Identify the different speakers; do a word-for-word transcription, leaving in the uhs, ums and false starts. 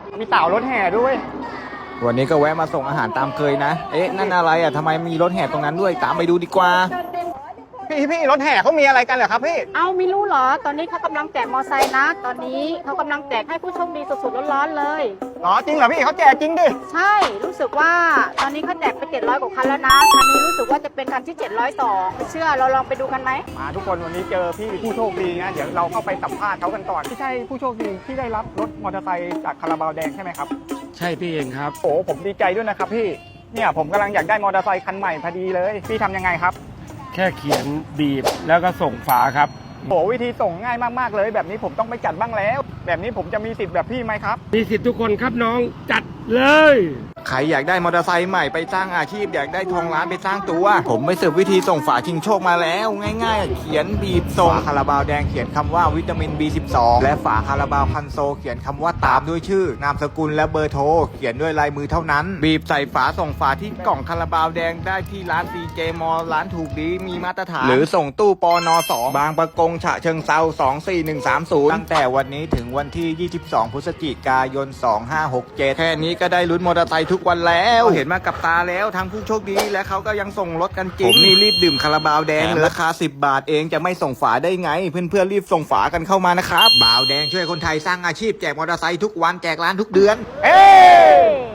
Speaker 1: มีเต่ารถแห่ด้วย
Speaker 2: วันนี้ก็แวะมาส่งอาหารตามเคยนะเอ๊ะนั่นอะไรอ่ะทำไมมีรถแห่ตรงนั้นด้วยตามไปดูดีกว่า
Speaker 1: พี่พี่รถแห่เขามีอะไรกันเหรอครับพี่
Speaker 3: เอาไม่รู้เหรอ ตอนนี้เขากำลังแจกมอไซค์นะ ตอนนี้เขากำลังแจกให้ผู้โชคดีสดๆร้อนๆเลย
Speaker 1: อ๋อจริงเหรอพี่เขาแจกจริงดิ
Speaker 3: ใช่รู้สึกว่าตอนนี้เขาแจกไปเจ็ดร้อยกว่าคันแล้วนะคันนี้รู้สึกว่าจะเป็นคันที่เจ็ดร้อยสองไม่เชื่อเราลองไปดูกันไหม
Speaker 1: มาทุกคนวันนี้เจอพี่ผู้โชคดีนะเดี๋ยวเราเข้าไปสัมภาษณ์เขากันก่อนที่ใช่ผู้โชคดีที่ได้รับรถมอเตอร์ไซค์จากคาราบาวแดงใช่ไหมครับ
Speaker 4: ใช่พี่เองครับ
Speaker 1: โอ้ผมดีใจด้วยนะครับพี่เนี่ยผมกำลังอยากได้มอเตอร์ไซค์คันใหม่พอดีเลยพี่ทำยังไงครับ
Speaker 4: แค่เขียนบีบแล้วก็ส่งฝาครับ
Speaker 1: โอ้วิธีส่งง่ายมากๆเลยแบบนี้ผมต้องไปจัดบ้างแล้วแบบนี้ผมจะมีสิทธิ์แบบพี่ไหมครับ
Speaker 4: มีสิทธิ์ทุกคนครับน้องจัดเลย
Speaker 2: ใครอยากได้มอเตอร์ไซค์ใหม่ไปสร้างอาชีพอยากได้ทองล้านไปสร้างตัวผมไปสืบวิธีส่งฝาชิงโชคมาแล้วง่ายๆเขียนบีบส่งคาราบาวแดงเขียนคำว่าวิตามิน บี สิบสอง และฝาคาราบาวคันโซเขียนคำว่าตามด้วยชื่อนามสกุลและเบอร์โทรเขียนด้วยลายมือเท่านั้นบีบใส่ฝาส่งฝาที่กล่องคาราบาวแดงได้ที่ร้าน ซี เจ มอลล์ร้านถูกดีมีมาตรฐานหรือส่งตู้ปนสองบางประกงฉะเชิงเซาสองสี่หนึ่งสามศูนย์ตั้งแต่วันนี้ถึงวันที่ยี่สิบสองพฤศจิกายนสองห้าหกเจ็ดแค่นี้ก็ได้ลุ้นมอเตอร์ไซค์ทุกวันแล้วเห็นมากับตาแล้วทั้งผู้โชคดีและเขาก็ยังส่งรถกันจริงผมนี่รีบดื่มคาราบาวแดงเลยราคาสิบบาทเองจะไม่ส่งฝาได้ไงเพื่อนๆรีบส่งฝากันเข้ามานะครับบาวแดงช่วยคนไทยสร้างอาชีพแจกมอเตอร์ไซค์ทุกวันแจกร้านทุกเดือน
Speaker 1: เอ้